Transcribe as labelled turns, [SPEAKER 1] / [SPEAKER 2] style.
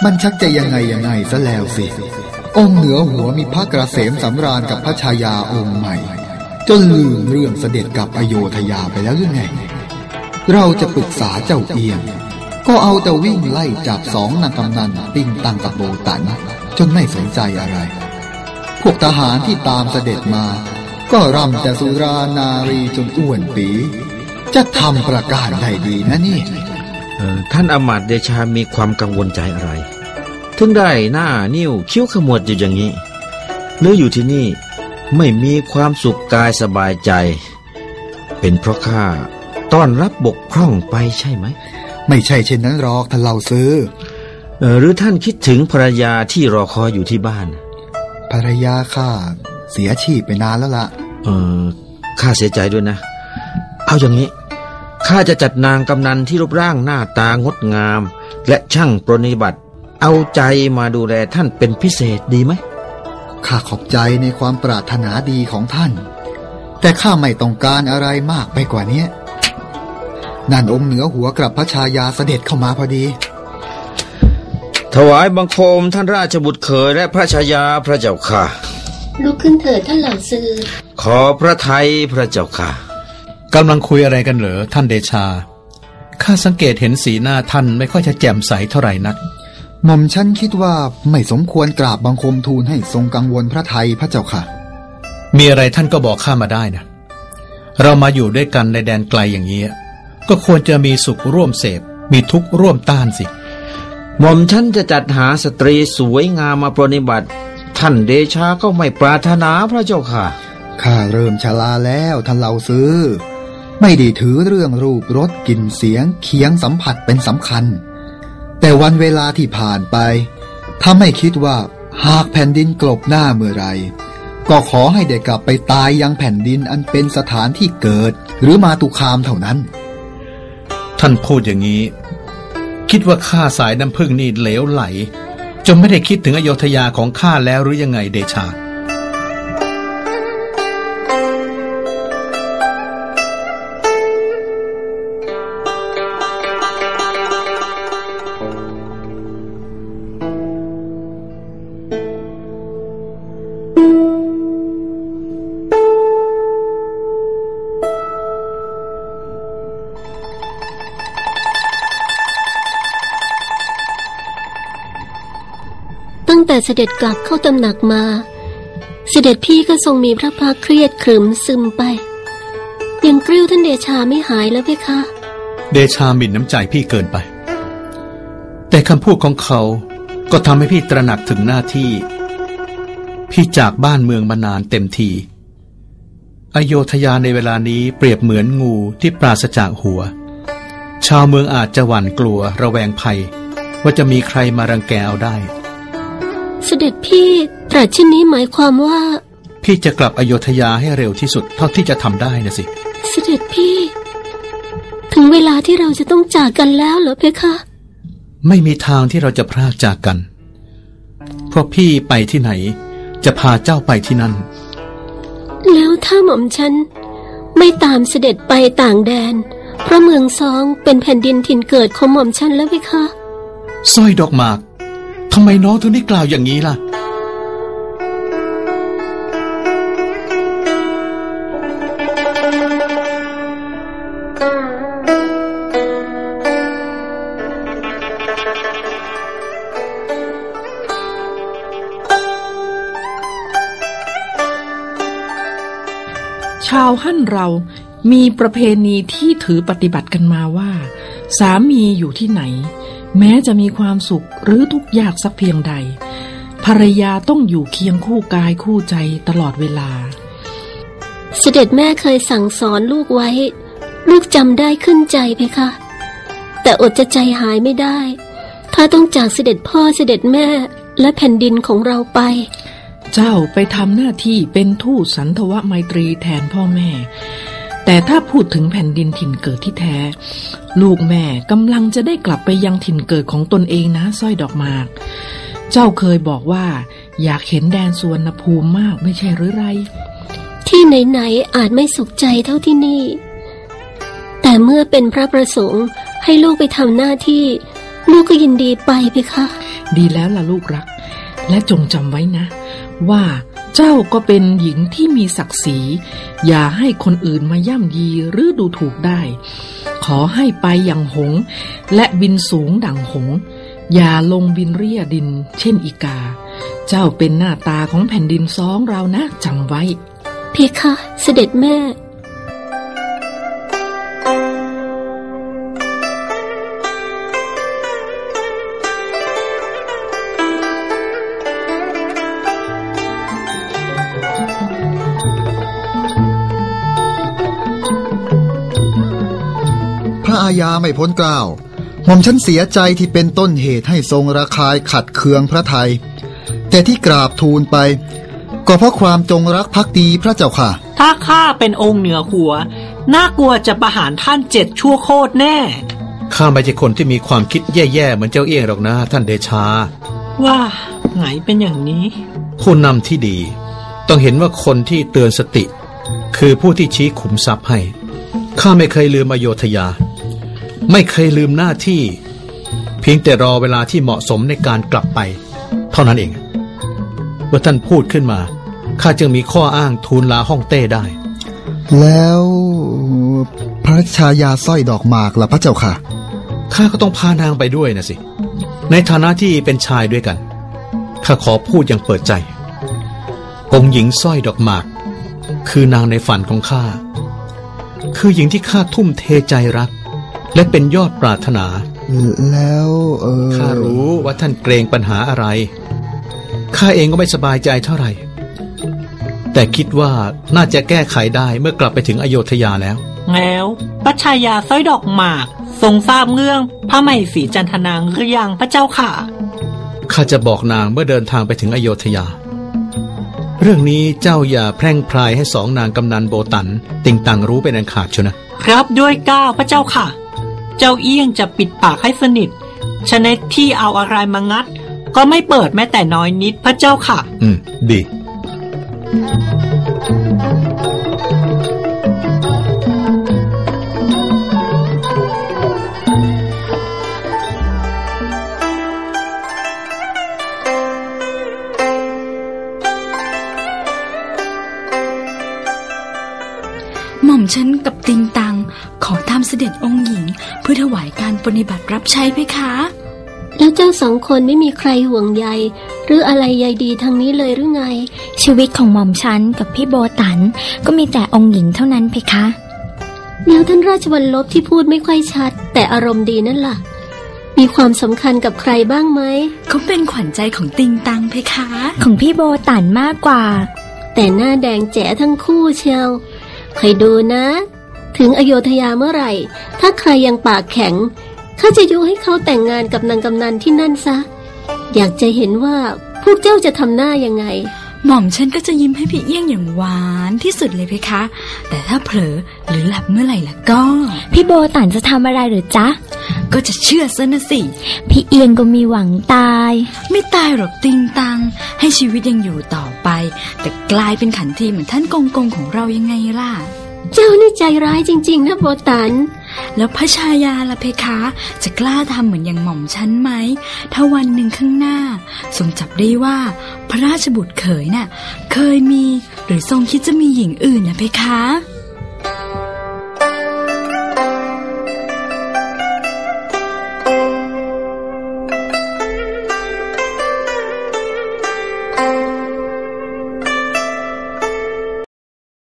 [SPEAKER 1] มันชักจะยังไงซะแล้วสิองค์เหนือหัวมีพระกระเสมสำราญกับพระชายาองค์ใหม่จนลืมเรื่องเสด็จกับอโยธยาไปแล้วหรือไงเราจะปรึกษาเจ้าเอียงก็เอาแต่วิ่งไล่จับสองนางกำนันปิ้งตังกับโบตันจนไม่สนใจอะไรพวกทหารที่ตามเสด็จมาก็ร่ำแต่สุรานารีจนอ้วนปีจะทำประการใดดีนะนี่
[SPEAKER 2] ท่านอมาตย์เดชามีความกังวลใจอะไรถึงได้หน้านิ้วคิ้วขมวดอยู่อย่างนี้หรืออยู่ที่นี่ไม่มีความสุขกายสบายใจเป็นเพราะข้าต้อนรับบกพร่องไปใช่ไหม
[SPEAKER 1] ไม่ใช่เช่นนั้นหรอกท่านเล่าซื้อ
[SPEAKER 2] หรือท่านคิดถึงภรรยาที่รอคอยอยู่ที่บ้าน
[SPEAKER 1] ภรรยาข้าเสียชีพไปนานแล้วล่ะ
[SPEAKER 2] ข้าเสียใจด้วยนะเอาอย่างนี้ข้าจะจัดนางกำนันที่รูปร่างหน้าตางดงามและช่างปรนนิบัติเอาใจมาดูแลท่านเป็นพิเศษดีไหม
[SPEAKER 1] ข้าขอบใจในความปรารถนาดีของท่านแต่ข้าไม่ต้องการอะไรมากไปกว่านี้นั่นองค์เหนือหัวกับพระชายาเสด็จเข้ามาพอดี
[SPEAKER 2] ถวายบังคมท่านราชบุตรเขยและพระชายาพระเจ้าค่ะ
[SPEAKER 3] ลุกขึ้นเถิดท่านเหล่าซื้อ
[SPEAKER 2] ขอพระทัยพระเจ้าค่ะ
[SPEAKER 4] กำลังคุยอะไรกันเหรอท่านเดชาข้าสังเกตเห็นสีหน้าท่านไม่ค่อยจะแจ่มใสเท่าไหร่นัก
[SPEAKER 1] หม่อมฉันคิดว่าไม่สมควรกราบบังคมทูลให้ทรงกังวลพระทัยพระเจ้าค่ะ
[SPEAKER 4] มีอะไรท่านก็บอกข้ามาได้นะเรามาอยู่ด้วยกันในแดนไกลอย่างนี้ก็ควรจะมีสุขร่วมเสพมีทุกข์ร่วมต้านสิ
[SPEAKER 2] หม่อมฉันจะจัดหาสตรีสวยงามมาปรนนิบัติท่านเดชาก็ไม่ปรารถนาพระเจ้าค่ะ
[SPEAKER 1] ข้าเริ่มชราแล้วท่านเล่าซื้อไม่ได้ถือเรื่องรูปรสกลิ่นเสียงเคียงสัมผัสเป็นสำคัญแต่วันเวลาที่ผ่านไปถ้าไม่คิดว่าหากแผ่นดินกลบหน้าเมื่อไรก็ขอให้ได้กลับไปตายยังแผ่นดินอันเป็นสถานที่เกิดหรือมาตุคามเท่านั้น
[SPEAKER 4] ท่านพูดอย่างนี้คิดว่าข้าสายน้ำพึ่งนี่เหลวไหลจนไม่ได้คิดถึงอโยธยาของข้าแล้วหรือยังไงเดชา
[SPEAKER 3] ตั้งแต่เสด็จกลับเข้าตำหนักมาเสด็จพี่ก็ทรงมีพระพักเครียดขรึมซึมไปยังกริ้วท่านเดชาไม่หายแล้วเพคะ
[SPEAKER 4] เดชาหมิ่นน้ำใจพี่เกินไปแต่คำพูดของเขาก็ทำให้พี่ตระหนักถึงหน้าที่พี่จากบ้านเมืองมานานเต็มทีอโยธยาในเวลานี้เปรียบเหมือนงูที่ปราศจากหัวชาวเมืองอาจจะหวั่นกลัวระแวงภัยว่าจะมีใครมารังแกเอาได้
[SPEAKER 3] เสด็จพี่ตรัสเช่นนี้หมายความว่า
[SPEAKER 4] พี่จะกลับอโยธยาให้เร็วที่สุดเท่าที่จะทำได้นะสิ
[SPEAKER 3] เสด็จพี่ถึงเวลาที่เราจะต้องจากกันแล้วเหรอเพคะ
[SPEAKER 4] ไม่มีทางที่เราจะพรากจากกันเพราะพี่ไปที่ไหนจะพาเจ้าไปที่นั่น
[SPEAKER 3] แล้วถ้าหม่อมฉันไม่ตามเสด็จไปต่างแดนเพราะเมืองซองเป็นแผ่นดินถิ่นเกิดของหม่อมฉันแล้วเพคะ
[SPEAKER 4] สร้อยดอกหมากทำไมน้องถึงได้กล่าวอย่างนี้ล่ะ
[SPEAKER 5] ชาวฮั่นเรามีประเพณีที่ถือปฏิบัติกันมาว่าสามีอยู่ที่ไหนแม้จะมีความสุขหรือทุกข์ยากสักเพียงใดภรรยาต้องอยู่เคียงคู่กายคู่ใจตลอดเวลา
[SPEAKER 3] เสด็จแม่เคยสั่งสอนลูกไว้ลูกจำได้ขึ้นใจเพคะแต่อดจะใจหายไม่ได้ถ้าต้องจากเสด็จพ่อเสด็จแม่และแผ่นดินของเราไป
[SPEAKER 5] เจ้าไปทำหน้าที่เป็นทูตสันทวไมตรีแทนพ่อแม่แต่ถ้าพูดถึงแผ่นดินถิ่นเกิดที่แท้ลูกแม่กำลังจะได้กลับไปยังถิ่นเกิดของตนเองนะสร้อยดอกหมากเจ้าเคยบอกว่าอยากเห็นแดนสุวรรณภูมิมากไม่ใช่หรือไร
[SPEAKER 3] ที่ไหนๆอาจไม่สุขใจเท่าที่นี่แต่เมื่อเป็นพระประสงค์ให้ลูกไปทำหน้าที่ลูกก็ยินดีไปเพคะ
[SPEAKER 5] ดีแล้วล่ะลูกรักและจงจำไว้นะว่าเจ้าก็เป็นหญิงที่มีศักดิ์ศรีอย่าให้คนอื่นมาย่ำยีหรือดูถูกได้ขอให้ไปอย่างหงส์และบินสูงดั่งหงส์อย่าลงบินเรี่ยดินเช่นอีกาเจ้าเป็นหน้าตาของแผ่นดินสองเรานะจำไว้
[SPEAKER 3] เพคะเสด็จแม่
[SPEAKER 1] พระอาญาไม่พ้นเกล้าหม่อมฉันเสียใจที่เป็นต้นเหตุให้ทรงระคายขัดเคืองพระทัยแต่ที่กราบทูลไปก็เพราะความจงรักภักดีพระเจ้าค่ะ
[SPEAKER 6] ถ้าข้าเป็นองค์เหนือหัวน่ากลัวจะประหารท่าน7 ชั่วโคตรแน่
[SPEAKER 4] ข้าไม่ใช่คนที่มีความคิดแย่ๆเหมือนเจ้าเอี้ยงหรอกนะท่านเดชา
[SPEAKER 6] ว่าไงเป็นอย่างนี้
[SPEAKER 4] ผู้นำที่ดีต้องเห็นว่าคนที่เตือนสติคือผู้ที่ชี้ขุมทรัพย์ให้ข้าไม่เคยลืมอโยธยาไม่เคยลืมหน้าที่เพียงแต่รอเวลาที่เหมาะสมในการกลับไปเท่านั้นเองเมื่อท่านพูดขึ้นมาข้าจึงมีข้ออ้างทูลลาฮ่องเต้ได้
[SPEAKER 1] แล้วพระชายาสร้อยดอกหมากล่ะพระเจ้าค่ะ
[SPEAKER 4] ข้าก็ต้องพานางไปด้วยนะสิในฐานะที่เป็นชายด้วยกันข้าขอพูดอย่างเปิดใจองค์หญิงสร้อยดอกหมากคือนางในฝันของข้าคือหญิงที่ข้าทุ่มเทใจรักและเป็นยอดปรารถนา
[SPEAKER 1] แล้ว
[SPEAKER 4] ข้ารู้ว่าท่านเกรงปัญหาอะไรข้าเองก็ไม่สบายใจเท่าไหร่แต่คิดว่าน่าจะแก้ไขได้เมื่อกลับไปถึงอโยธยาแล้ว
[SPEAKER 6] พระชายาสร้อยดอกหมากทรงทราบเรื่องพระมเหสีจันทนางหรือยังพระเจ้าค่ะ
[SPEAKER 4] ข้าจะบอกนางเมื่อเดินทางไปถึงอโยธยาเรื่องนี้เจ้าอย่าแพร่งพรายให้สองนางกำนันโบตันติงตังรู้เป็นอันขาดเชียว
[SPEAKER 6] นะครับด้วยเกล้าพระเจ้าค่ะเจ้าเอี้ยงจะปิดปากให้สนิทฉะนั้นที่เอาอะไรมางัดก็ไม่เปิดแม้แต่น้อยนิดพระเจ้าค่ะ
[SPEAKER 4] ดี
[SPEAKER 7] หม่อมฉันกับติงตังขอตามเสด็จองค์หญิงเพื่อถวายการปฏิบัติรับใช้เพคะ
[SPEAKER 3] แล้วเจ้าสองคนไม่มีใครห่วงใยหรืออะไรใยดีทางนี้เลยหรือไง
[SPEAKER 7] ชีวิตของหม่อมฉันกับพี่โบตันก็มีแต่องค์หญิงเท่านั้นเพคะ
[SPEAKER 3] แล้วท่านราชวรรลบที่พูดไม่ค่อยชัดแต่อารมณ์ดีนั่นล่ะมีความสำคัญกับใครบ้างไหม
[SPEAKER 7] เขาเป็นขวัญใจของติงตังเพคะของพี่โบตันมากกว่า
[SPEAKER 3] แต่หน้าแดงแจ๋ทั้งคู่เชียวคอยดูนะถึงอโยธยาเมื่อไหร่ถ้าใครยังปากแข็งข้าจะยุให้เขาแต่งงานกับนางกำนันที่นั่นซะอยากจะเห็นว่าพวกเจ้าจะทำหน้ายังไง
[SPEAKER 7] หม่อมฉันก็จะยิ้มให้พี่เอี้ยงอย่างหวานที่สุดเลยเพคะแต่ถ้าเผลอหรือหลับเมื่อไหร่ล่ะก็พี่โบตันจะทำอะไรหรือจ๊ะก็จะเชื่อซะนะสิพี่เอี้ยงก็มีหวังตายไม่ตายหรอกติงตังให้ชีวิตยังอยู่ต่อไปแต่กลายเป็นขันทีเหมือนท่านกงของเรายังไงล่ะ
[SPEAKER 3] เจ้านี่ใจร้ายจริงๆนะโบตัน
[SPEAKER 7] แล้วพระชายาล่ะเพคะจะกล้าทำเหมือนอย่างหม่อมฉันไหมถ้าวันหนึ่งข้างหน้าทรงจับได้ว่าพระราชบุตรเขยน่ะเคยมีหรือทรงคิดจะมีหญิงอื่นนะเพคะ